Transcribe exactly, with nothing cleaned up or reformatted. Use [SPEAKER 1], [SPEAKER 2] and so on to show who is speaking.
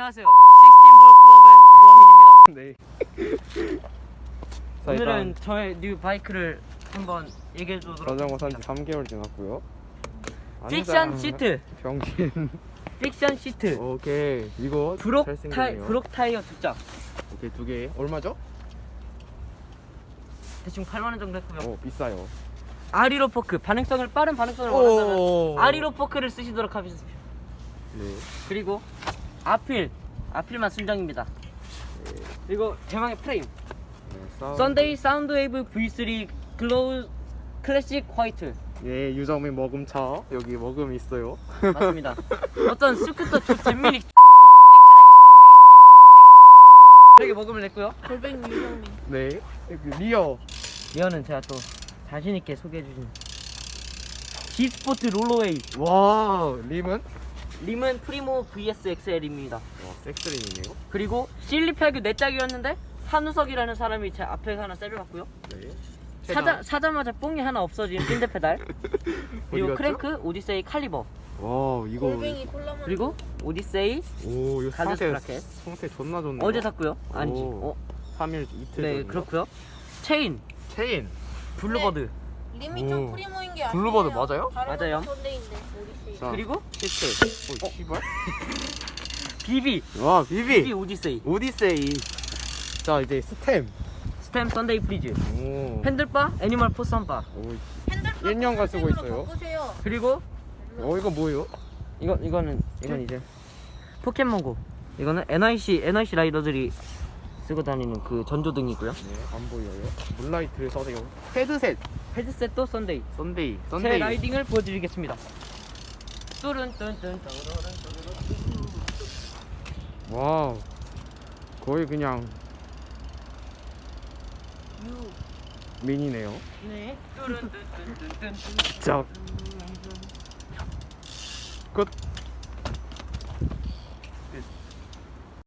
[SPEAKER 1] 안녕하세요. 식스틴 볼 클럽의 조아민입니다.
[SPEAKER 2] 네.
[SPEAKER 1] 오늘은 저의 뉴 바이크를 한번 얘기해 주도록
[SPEAKER 2] 자전거 산지
[SPEAKER 1] 하겠습니다.
[SPEAKER 2] 삼 개월 지났고요.
[SPEAKER 1] 픽션 시트.
[SPEAKER 2] 병신.
[SPEAKER 1] 픽션 시트.
[SPEAKER 2] 오케이. 이거
[SPEAKER 1] 브록 타이
[SPEAKER 2] 잘생겼네요.
[SPEAKER 1] 브록 타이어 두 짝.
[SPEAKER 2] 오케이, 두 개. 얼마죠?
[SPEAKER 1] 대충 팔만 원 정도 했고요.
[SPEAKER 2] 오, 비싸요.
[SPEAKER 1] 아리로 포크. 반응성을 빠른 반응성을
[SPEAKER 2] 오.
[SPEAKER 1] 원한다면 아리로 포크를 쓰시도록 하겠습니다.
[SPEAKER 2] 네.
[SPEAKER 1] 그리고 아필. 아필만 순정입니다.
[SPEAKER 2] 네.
[SPEAKER 1] 그리고 대망의 프레임.
[SPEAKER 2] 네, 사운드.
[SPEAKER 1] 썬데이 사운드웨이브 브이 쓰리 글로우 클래식 화이트.
[SPEAKER 2] 예, 유정민 머금차. 여기 머금 있어요.
[SPEAKER 1] 맞습니다. 어떤 스쿠터 조 잼민이 되게 먹음을 냈고요.
[SPEAKER 3] 골뱅이 유정민.
[SPEAKER 2] 네. 여기 리어.
[SPEAKER 1] 리어는 제가 또 자신 있게 소개해 주신 G 스포트 롤러웨이.
[SPEAKER 2] 와, 림은?
[SPEAKER 1] 림은 프리모 브이에스 엑스엘입니다.
[SPEAKER 2] 와, 섹스림이네요.
[SPEAKER 1] 그리고 실리패그 네 짝이었는데 한우석이라는 사람이 제 앞에 하나 세려갔고요.
[SPEAKER 2] 네.
[SPEAKER 1] 사자, 사자마자 뽕이 하나 없어진 핀드 페달. 그리고
[SPEAKER 2] 어디 갔죠?
[SPEAKER 1] 크랭크, 오디세이 칼리버.
[SPEAKER 2] 와, 이거.
[SPEAKER 3] 골뱅이 콜라만.
[SPEAKER 1] 그리고 오디세이
[SPEAKER 2] 오, 이거
[SPEAKER 1] 갈라스
[SPEAKER 2] 상태,
[SPEAKER 1] 브라켓.
[SPEAKER 2] 상태 존나 좋네요.
[SPEAKER 1] 어제 샀고요. 아니지.
[SPEAKER 2] 오.
[SPEAKER 1] 어,
[SPEAKER 2] 삼 일 이틀
[SPEAKER 1] 네
[SPEAKER 2] 전이요?
[SPEAKER 1] 그렇고요. 체인,
[SPEAKER 2] 체인.
[SPEAKER 1] 블루버드.
[SPEAKER 3] 림이 좀
[SPEAKER 2] 오.
[SPEAKER 3] 프리모인 게 아니에요.
[SPEAKER 2] 블루버드 맞아요?
[SPEAKER 1] 맞아요.
[SPEAKER 3] 썬데이인데 오디세이.
[SPEAKER 2] 자.
[SPEAKER 1] 그리고 시트.
[SPEAKER 2] 오, 씨발.
[SPEAKER 1] 비비.
[SPEAKER 2] 와,
[SPEAKER 1] 비비
[SPEAKER 2] 비비.
[SPEAKER 1] 오디세이.
[SPEAKER 2] 오디세이. 자, 이제 스템.
[SPEAKER 1] 스템 썬데이 프리즈.
[SPEAKER 2] 오.
[SPEAKER 1] 핸들바 애니멀 포선바.
[SPEAKER 2] 오,
[SPEAKER 3] 핸들바
[SPEAKER 2] 일 년간 쓰고
[SPEAKER 3] 흰색으로
[SPEAKER 2] 있어요.
[SPEAKER 3] 바꾸세요.
[SPEAKER 1] 그리고
[SPEAKER 2] 어, 이거 뭐예요?
[SPEAKER 1] 이거 이거는 이건 이제 포켓몬고. 이거는 엔아이씨 엔아이씨 라이더들이 쓰고 다니는 그 전조등이고요.
[SPEAKER 2] 네, 안 보여요. 문라이트를 써세요. 헤드셋.
[SPEAKER 1] 헤드셋도 썬데이.
[SPEAKER 2] 썬데이.
[SPEAKER 1] 제
[SPEAKER 2] 썬데이.
[SPEAKER 1] 라이딩을 보여드리겠습니다. 뚜른뚠뚠
[SPEAKER 2] 와우. 거의 그냥 미니네요.
[SPEAKER 1] 네. 뚜른뚠뚠뚠뚠.
[SPEAKER 2] 자, 끝.